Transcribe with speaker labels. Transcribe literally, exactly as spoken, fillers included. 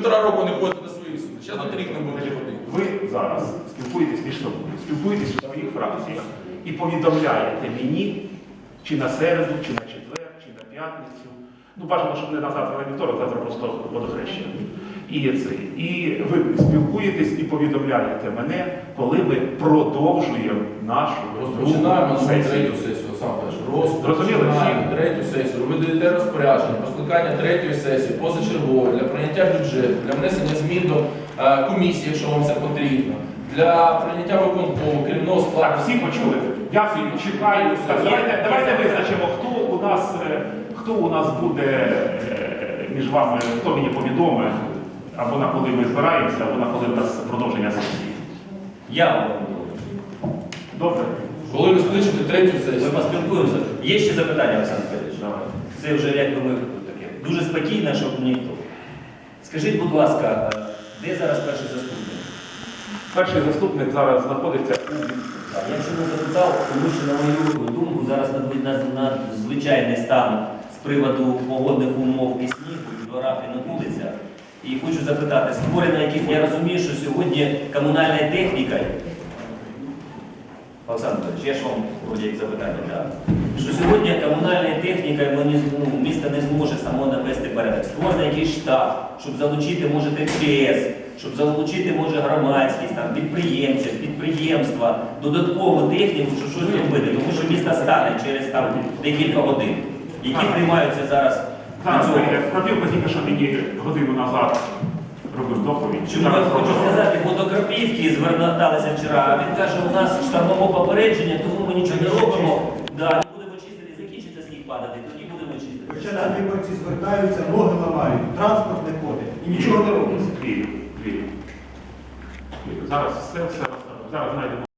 Speaker 1: півтора року не ходите на свої суди. Зараз на рік не будете ходити.
Speaker 2: Ви зараз спілкуєтесь між собою, спілкуєтесь у своїх фракціях і повідомляєте мені, чи на середу, чи на четвер, чи на п'ятницю. Ну, бажано, щоб не на завтра, на вівторок, завтра просто водохрещення. І це. І ви спілкуєтесь і повідомляєте мене, коли ми продовжуємо нашу
Speaker 1: Розпочинаємо
Speaker 2: другу
Speaker 1: нову
Speaker 2: сесію.
Speaker 1: третю сесію, сам теж.
Speaker 2: Зрозуміли?
Speaker 1: Розпочинаємо третю сесію. Ви даєте розпорядження про скликання третьої сесії, позачергової, для прийняття бюджету, для внесення змін до е, комісії, якщо вам це потрібно, для прийняття виконкому, керівного складу.
Speaker 2: Так, всі почули? Я чекаю. Так, давайте, давайте визначимо, хто у нас, е, хто у нас буде е, між вами, хто мені повідомить, або на коли ми збираємося, або на коли у нас продовження сесії.
Speaker 3: Я вам говорю.
Speaker 2: Добре?
Speaker 1: Коли ви скличете третю
Speaker 3: Ми
Speaker 1: сесію.
Speaker 3: поспілкуємося. Є ще запитання, Олександр Федорович? Це вже як би ми таке. Дуже спокійно, щоб ніхто. Скажіть, будь ласка, де зараз перший заступник?
Speaker 2: Перший заступник зараз знаходиться у
Speaker 3: Так, я чому запитав, тому що, на мою думку, зараз надзвичайний стан з приводу погодних умов і снігу, і в дворах, і на вулицях. І хочу запитати, створення яких я розумію, що сьогодні комунальна техніка, Олександр Федорович, я ж вам вроді як запитання, так? Що сьогодні комунальна техніка, ну, місто не зможе само навести порядок. Створено якийсь штаб, щоб залучити, може, ТЧС, щоб залучити, може, громадськість, там, підприємців, підприємства, додаткову техніку, щоб щось робити. Тому що місто стане через там, декілька годин, які приймаються зараз.
Speaker 2: Зараз Крапівка тільки що мені годину назад робив доповідь.
Speaker 3: Чому я хочу сказати, бо до Крапівки зверталися вчора, а він каже, у нас штормове попередження, тому ми нічого не робимо. Да, не будемо чистити, закінчиться сніг падати, тоді будемо чистити.
Speaker 4: Хоча ці виборці звертаються, ноги ламають, транспорт не ходить і нічого не робиться.
Speaker 2: Вірю, вірю. Вірю. Зараз все, все, зараз знайдемо.